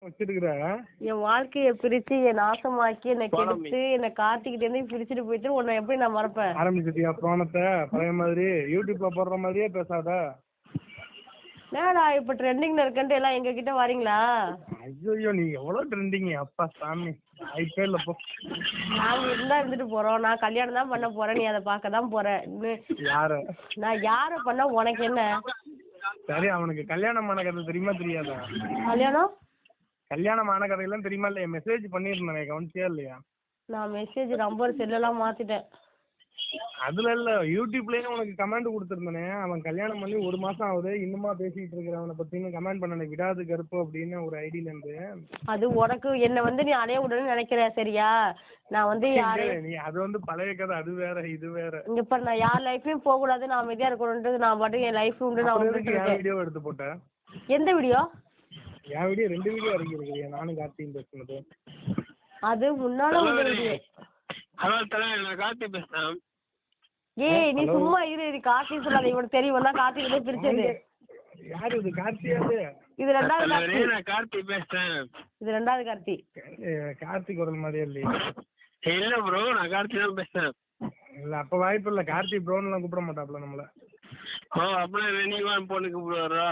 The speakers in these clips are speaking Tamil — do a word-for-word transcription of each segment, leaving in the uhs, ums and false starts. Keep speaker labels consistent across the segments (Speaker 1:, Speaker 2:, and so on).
Speaker 1: வச்சிருக்கிற
Speaker 2: என் வாழ்க்கைய பிரிச்சு என் நாசமாக்கி என்னை கெடுத்து என்னை கார்த்திகிட்ட இருந்து பிரிச்சுட்டு போயிட்டு உன்னை எப்படி நான் மறப்பேன்?
Speaker 1: ஆரம்பிச்சிட்டியா போனத்தை பழைய மாதிரி யூடியூப்ல போடுற மாதிரியே பேசாத.
Speaker 2: என்னடா இப்ப ட்ரெண்டிங்ல இருக்கன்ட்டு எல்லாம் எங்க கிட்ட வரீங்களா?
Speaker 1: ஐயோ நீ எவ்வளவு ட்ரெண்டிங் அப்பா சாமி. ஐபேல்ல போ.
Speaker 2: நாங்க இருந்தா இருந்துட்டு போறோம். நான் கல்யாணம் தான் பண்ண போறேன். நீ அதை பார்க்க தான் போற.
Speaker 1: யார?
Speaker 2: நான் யார பண்ணா உனக்கு என்ன?
Speaker 1: சரி அவனுக்கு கல்யாணம் ஆன கதை தெரியுமா தெரியாதா?
Speaker 2: கல்யாணம்
Speaker 1: கல்யாணம் ஆன கதையெல்லாம் தெரியுமா இல்லையா? மெசேஜ் பண்ணிருந்தேன் கவனிச்சியா இல்லையா?
Speaker 2: நான் மெசேஜ் நம்பர் செல்லெல்லாம் மாத்திட்டேன்.
Speaker 1: அதுல இல்ல யூடியூப்லயே உனக்கு கமெண்ட் கொடுத்துருந்தேனே, அவன் கல்யாணம் பண்ணி ஒரு மாசம் ஆகுது இன்னுமா பேசிட்டு இருக்கிறவனை பத்தின்னு கமெண்ட் பண்ண விடாது கருப்பு அப்படின்னு ஒரு ஐடியில இருந்து.
Speaker 2: அது உனக்கு என்ன வந்து நீ அடைய விடணும்னு நினைக்கிற சரியா? நான் வந்து யாரு
Speaker 1: நீ அது வந்து பழைய கதை, அது வேற இது வேற.
Speaker 2: இங்க இப்ப நான் யார் லைஃப்லயும் போக கூடாது, நான் அமைதியா இருக்கணும்ன்றது நான் பாட்டு என் லைஃப் உண்டு. நான்
Speaker 1: என் வீடியோ எடுத்து போட்டேன்.
Speaker 2: எந்த வீடியோ?
Speaker 1: என் வீடியோ ரெண்டு வீடியோ இறங்கி இருக்கு, நானும் கார்த்தியும் பேசுனது.
Speaker 2: அது முன்னால உள்ள வீடியோ.
Speaker 3: ஹலோ தலைவர், நான் கார்த்தி பேசுறேன்.
Speaker 2: ஏய் நீ சும்மா இரு. இது கார்த்தி சொல்லாத, இவனுக்கு தெரியும் தான் கார்த்தி கிட்ட பிரிச்சது.
Speaker 1: யாரு இது? கார்த்தியாது.
Speaker 2: இது ரெண்டாவது கார்த்தி.
Speaker 3: நான் கார்த்தி பேசுறேன்.
Speaker 2: இது ரெண்டாவது கார்த்தி.
Speaker 1: கார்த்தி குரல் மாதிரியே இல்லையா?
Speaker 3: இல்ல ப்ரோ, நான் கார்த்தி தான் பேசுறேன்.
Speaker 1: இல்ல அப்ப வாய்ப்பு இல்ல. கார்த்தி ப்ரோன்னு எல்லாம் கூப்பிட மாட்டாப்ல நம்மள.
Speaker 3: ஓ அப்படியே ரெனிவான் போன்னு கூப்பிடுவாரா?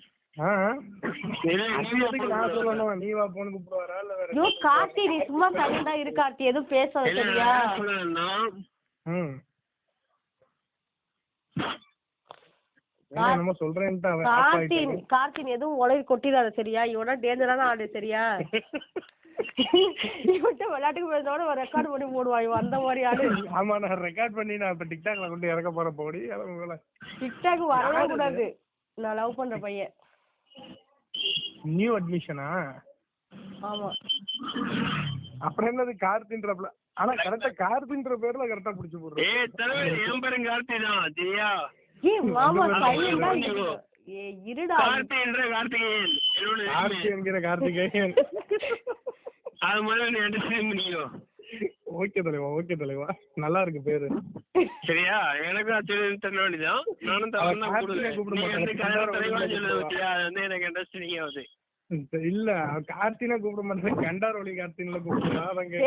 Speaker 1: நீ வா போன்னு கூப்பிடுவாரா இல்ல வேற?
Speaker 2: யோ கார்த்தி நீ சும்மா சைலண்டா இரு கார்த்தி, எதுவும் பேசாத சரியா?
Speaker 1: ம் என்னமோ சொல்றேன்ட்டு அவன்
Speaker 2: கார்த்தி கார்த்தி எதுவும் உலகி கொட்டிடாத சரியா? இவனா டேஞ்சரான ஆளு சரியா? இவன்ட்ட விளையாட்டுக்கு பேசுறதோட ஒரு ரெக்கார்ட் பண்ணி போடுவான் இவன், அந்த மாதிரி ஆளு.
Speaker 1: ஆமா நான் ரெக்கார்ட் பண்ணி நான் இப்ப டிக்டாக்ல கொண்டு இறக்க போற போடி.
Speaker 2: டிக்டாக் வரவே கூடாது. நான் லவ் பண்ற பையன்.
Speaker 1: நியூ அட்மிஷனா?
Speaker 2: ஆமா.
Speaker 1: அப்புறம் என்னது கார்த்தின்றப்ல? ஆனா கரெக்டா கார்த்தின்ற பேர்ல கரெக்டா புடிச்சு போடுறேன்.
Speaker 3: ஏய் தலைவர், என் பேரு கார்த்தி தான் சரியா?
Speaker 2: ஏய் மாமா சைலண்டா இரு. ஏய் இருடா.
Speaker 3: கார்த்தி என்ற கார்த்திகேயன்.
Speaker 1: கார்த்தி என்கிற கார்த்திகேயன்.
Speaker 3: அது மாதிரி நீ அண்டர்ஸ்டாண்ட் பண்ணிக்கோ.
Speaker 1: ஓகே தலைவா, ஓகே தலைவா, நல்லா இருக்கு பேரு.
Speaker 3: சரியா? எனக்கும் ஆச்சரியம் தெரிய வேண்டியதான். நானும் தவறு தான் வந்து எனக்கு அண்டர்ஸ்டாண்டிங் ஆகுது.
Speaker 1: இல்ல கார்த்தினா கூப்பிட மாட்டேன், கண்டார் ஒளி கார்த்தின்ல கூப்பிடுறா.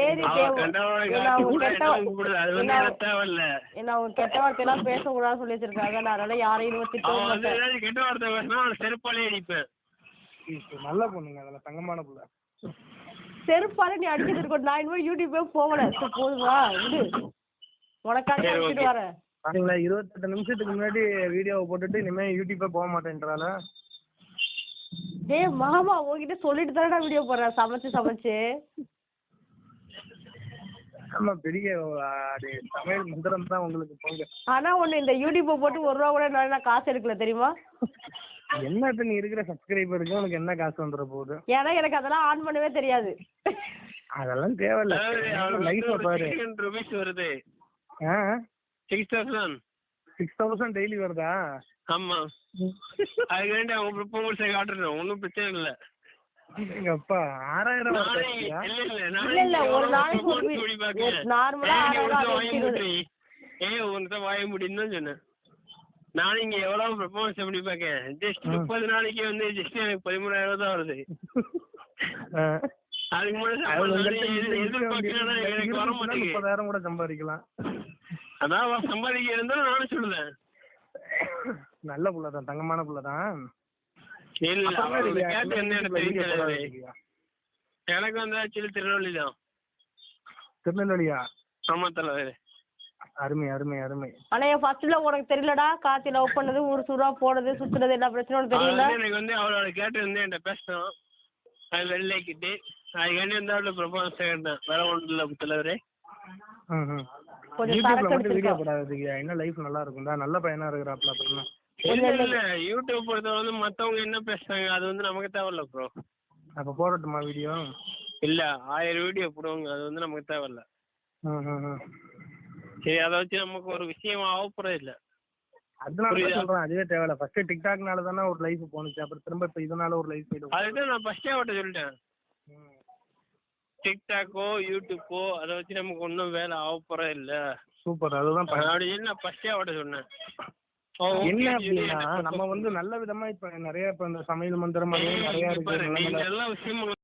Speaker 2: கெட்ட வார்த்தை எல்லாம் பேசக்கூடாது சொல்லி வச்சிருக்காங்க. அதனால யாரையும்
Speaker 3: கெட்ட வார்த்தை பேசினா செருப்பாலே அடிப்பேன்.
Speaker 1: நல்ல பொண்ணுங்க, அதெல்லாம் தங்கமான புள்ள.
Speaker 2: செருப்பாலே நீ அடிச்சது இருக்கட்டும். நான் இனிமே யூடியூபே போகல. போதுவா விடு, உனக்காக அடிச்சுட்டு வரேன்.
Speaker 1: பாத்தீங்களா, இருபத்தெட்டு நிமிஷத்துக்கு முன்னாடி வீடியோவை போட்டுட்டு இனிமே யூடியூபே போக மாட்டேன்றால.
Speaker 2: டேய் மாமா உங்ககிட்ட சொல்லிட்டு தானடா வீடியோ போடுறேன் சமைச்சு சமைச்சு.
Speaker 1: ஆமா பெரிய சமையல் மந்திரம் தான் உங்களுக்கு போங்க.
Speaker 2: ஆனா ஒண்ணு, இந்த யூடியூப்பை போட்டு ஒரு ரூபா கூட நான் காசு எடுக்கல தெரியுமா?
Speaker 1: என்ன நீ இருக்கிற சப்ஸ்கிரைபருக்கு உனக்கு என்ன காசு வந்துட போகுது?
Speaker 2: ஏன்னா எனக்கு அதெல்லாம் ஆன் பண்ணவே தெரியாது.
Speaker 1: அதெல்லாம் தேவையில்ல. லைஃப பாரு.
Speaker 3: வருது.
Speaker 1: ஆ
Speaker 3: six thousand
Speaker 1: six thousand daily வருதா?
Speaker 3: ஆமா. அதுக்கு வேண்டி அவங்க ப்ரொபோசல் காட்டுறோம், ஒன்றும் பிரச்சனை இல்லை.
Speaker 1: எங்க அப்பா ஆறாயிரம்
Speaker 2: இல்ல இல்ல ஒரு நாளைக்கு நார்மலா
Speaker 3: ஏ ஒன்று வாய முடியும் தான் சொன்னேன். நானும் இங்க எவ்வளவு ப்ரொபோசல் பண்ணி பார்க்கேன். ஜஸ்ட் முப்பது நாளைக்கு வந்து ஜஸ்ட் எனக்கு பதிமூணாயிரம் ரூபாய் தான் வருது. அதுக்கு முன்னாடி எனக்கு வர மாட்டேங்குது.
Speaker 1: முப்பதாயிரம் கூட சம்பாதிக்கலாம்.
Speaker 3: அதான் சம்பாதிக்க இருந்தாலும் நானும் சொல்லுவேன்.
Speaker 1: நல்ல புள்ளதான், தங்கமான புள்ளதான்.
Speaker 3: எனக்கு வந்து ஆக்சுவலி திருநெல்வேலி தான்.
Speaker 1: திருநெல்வேலியா?
Speaker 3: ஆமா தலைவர்.
Speaker 1: அருமை அருமை அருமை.
Speaker 2: ஆனா என் ஃபர்ஸ்ட்ல உனக்கு தெரியலடா, கார்த்தி லவ் பண்ணது, ஊர் சூறா போனது, சுத்துறது, எல்லா பிரச்சனையும் தெரியல.
Speaker 3: எனக்கு வந்து அவளோட கேட்டு வந்து என்கிட்ட பேசணும், அது வெளிலேக்கிட்டு அதுக்காண்டி வந்து அவளோட ப்ரொபோசல் கேட்டேன். வேற ஒன்றும் இல்லை தலைவரே.
Speaker 1: என்ன லைஃப் நல்லா இருக்கும்டா, நல்ல பையனா இருக்கிறாப்ல. அப்புறம்
Speaker 3: இல்ல இல்ல யூடியூப் பொறுத்தவரை வந்து மத்தவங்க என்ன பேசுறாங்க அது வந்து நமக்கு தேவையில்ல ப்ரோ.
Speaker 1: அப்ப போடட்டுமா வீடியோ?
Speaker 3: இல்ல ஆயிரம் வீடியோ போடுவாங்க, அது வந்து நமக்கு தேவையில்ல. சரி அதை வச்சு நமக்கு ஒரு விஷயம் ஆகப்போறது இல்ல.
Speaker 1: அதனால சொல்றேன் அதுவே தேவையில்ல. ஃபர்ஸ்ட் டிக்டாக்னால தானே ஒரு லைஃப் போனுச்சு, அப்புறம் திரும்ப இப்ப இதனால ஒரு லைஃப் போயிடும்.
Speaker 3: அதுதான் நான் ஃபர்ஸ்டே அவட்ட சொல்லிட்டேன். டிக்டாக்கோ யூடியூப்போ அதை வச்சு நமக்கு ஒன்றும் வேலை ஆகப்போறது இல்ல.
Speaker 1: சூப்பர், அதுதான்
Speaker 3: அப்படி சொல்லி நான் ஃபர்ஸ்டே அவட்ட சொன்னேன்.
Speaker 1: என்ன அப்படின்னா நம்ம வந்து நல்ல விதமா இப்ப நிறைய இப்ப இந்த சமையல் மந்திரம் நிறைய இருக்கு.